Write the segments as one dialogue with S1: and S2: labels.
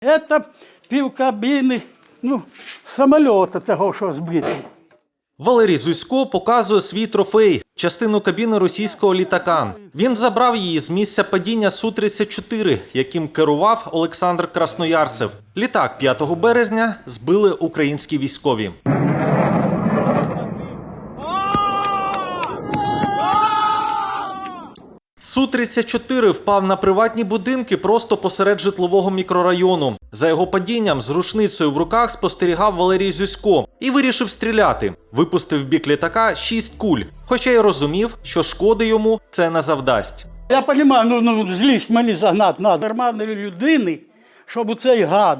S1: Це півкабіни, самоліта того, що збитий.
S2: Валерій Зусько показує свій трофей – частину кабіни російського літака. Він забрав її з місця падіння Су-34, яким керував Олександр Красноярцев. Літак 5 березня збили українські військові. Су-34 впав на приватні будинки просто посеред житлового мікрорайону. За його падінням з рушницею в руках спостерігав Валерій Зюсько і вирішив стріляти. Випустив в бік літака 6 куль, хоча й розумів, що шкоди йому це не завдасть.
S1: Я розумію, злість мені загнати треба. Нормальної людини, щоб у цей гад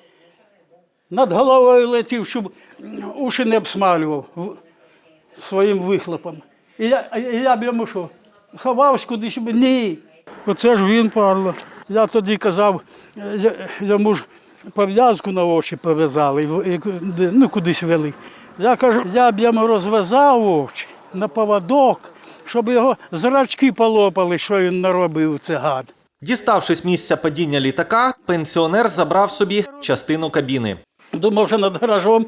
S1: над головою летів, щоб уші не обсмалював своїм вихлопом. І я б йому що? Ховався кудись, ні. Оце ж він, падла. Я тоді казав, йому ж пов'язку на очі пов'язали, кудись вели. Я кажу, я б йому розв'язав очі на поводок, щоб його зрачки полопали, що він наробив, це гад.
S2: Діставшись місця падіння літака, пенсіонер забрав собі частину кабіни.
S1: Думав, що над гаражом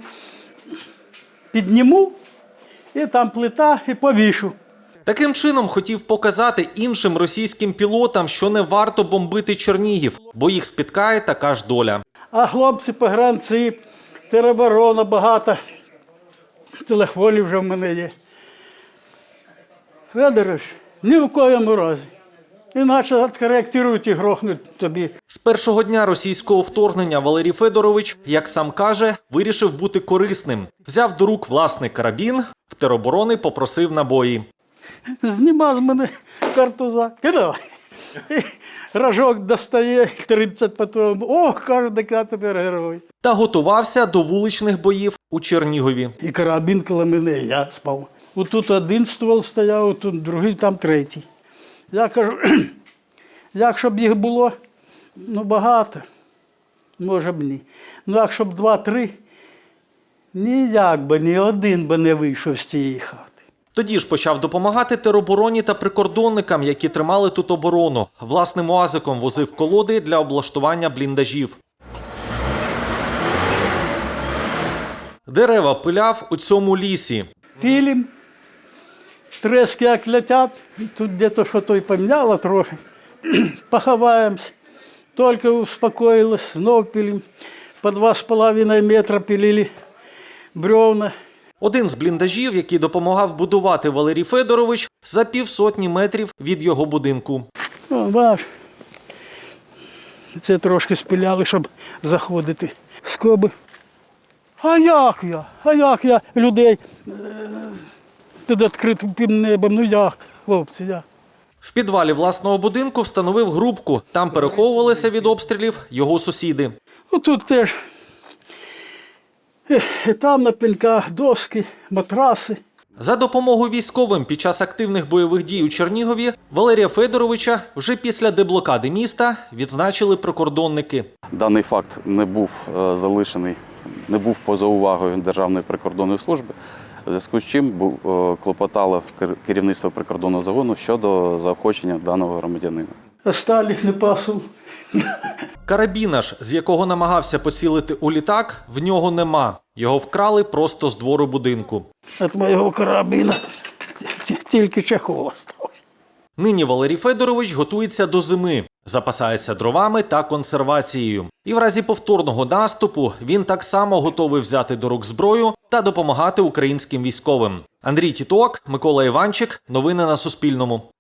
S1: підніму, і там плита, і повішу.
S2: Таким чином хотів показати іншим російським пілотам, що не варто бомбити Чернігів, бо їх спіткає така ж доля.
S1: А хлопці, погранці, тероборона, багато телефонів вже в мене є. Федорович, ні в коєму разі. Іначе відкоректують і грохнуть тобі.
S2: З першого дня російського вторгнення Валерій Федорович, як сам каже, вирішив бути корисним. Взяв до рук власний карабін, в тероборони попросив набої.
S1: Зніма з мене картуза, кидай. Рожок достає, 30 патронів. Ох, каже, так я тепер герой.
S2: Та готувався до вуличних боїв у Чернігові.
S1: І карабін коло мене, я спав. Отут один ствол стояв, тут другий, там третій. Я кажу, якщо б їх було, багато, може б ні. Якщо б 2-3, ніяк би, ні один би не вийшов з цієї хати.
S2: Тоді ж почав допомагати теробороні та прикордонникам, які тримали тут оборону. Власним уазиком возив колоди для облаштування бліндажів. Дерева пиляв у цьому лісі.
S1: Пилим, трески як летять, тут десь що то й поміняло трохи. Поховаємось, тільки успокоїлось, знов пилим. По 2,5 метра пилили бревна.
S2: Один з бліндажів, який допомагав будувати Валерій Федорович, за 50 метрів від його будинку.
S1: О, бач, це трошки спиляли, щоб заходити. Скоби. А як я людей під відкритим небом, як, хлопці, як?
S2: В підвалі власного будинку встановив грубку. Там переховувалися від обстрілів його сусіди.
S1: Тут теж, і там на пеньках доски, матраси.
S2: За допомогою військовим під час активних бойових дій у Чернігові Валерія Федоровича вже після деблокади міста відзначили прикордонники.
S3: Даний факт не був залишений, не був поза увагою Державної прикордонної служби, у зв'язку з чим клопотало керівництво прикордонного загону щодо заохочення даного громадянина.
S1: Осталих не пасу.
S2: Карабіна ж, з якого намагався поцілити у літак, в нього нема. Його вкрали просто з двору будинку.
S1: Від моєго карабіна тільки чехол залишився.
S2: Нині Валерій Федорович готується до зими, запасається дровами та консервацією. І в разі повторного наступу він так само готовий взяти до рук зброю та допомагати українським військовим. Андрій Тіток, Микола Іванчик. Новини на Суспільному.